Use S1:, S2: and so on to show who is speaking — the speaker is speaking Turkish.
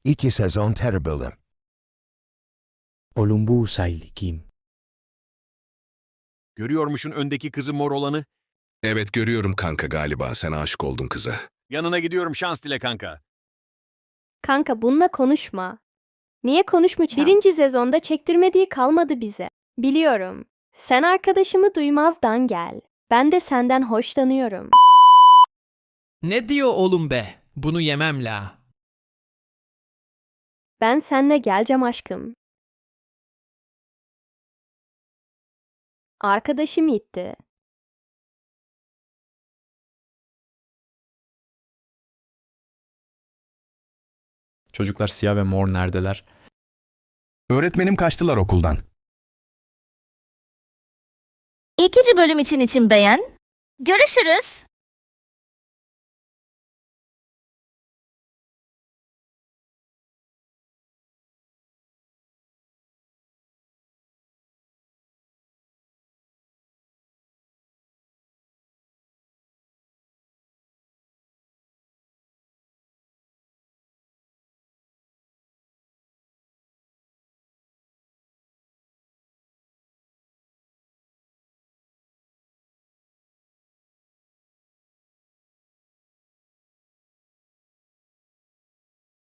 S1: İki sezon terrible.
S2: Olumbusay Kim.
S3: Görüyormuşsun öndeki kızı mor olanı.
S4: Evet görüyorum kanka, galiba sen aşık oldun kıza.
S3: Yanına gidiyorum, şans dile kanka.
S5: Kanka bununla konuşma. Niye konuşmayacağım? Birinci sezonda çektirmediği kalmadı bize. Biliyorum. Sen arkadaşımı duymazdan gel. Ben de senden hoşlanıyorum.
S6: Ne diyor oğlum be? Bunu yemem la.
S5: Ben seninle geleceğim aşkım. Arkadaşım gitti.
S7: Çocuklar siyah ve mor neredeler?
S8: Öğretmenim kaçtılar okuldan.
S9: İkinci bölüm için beğen. Görüşürüz.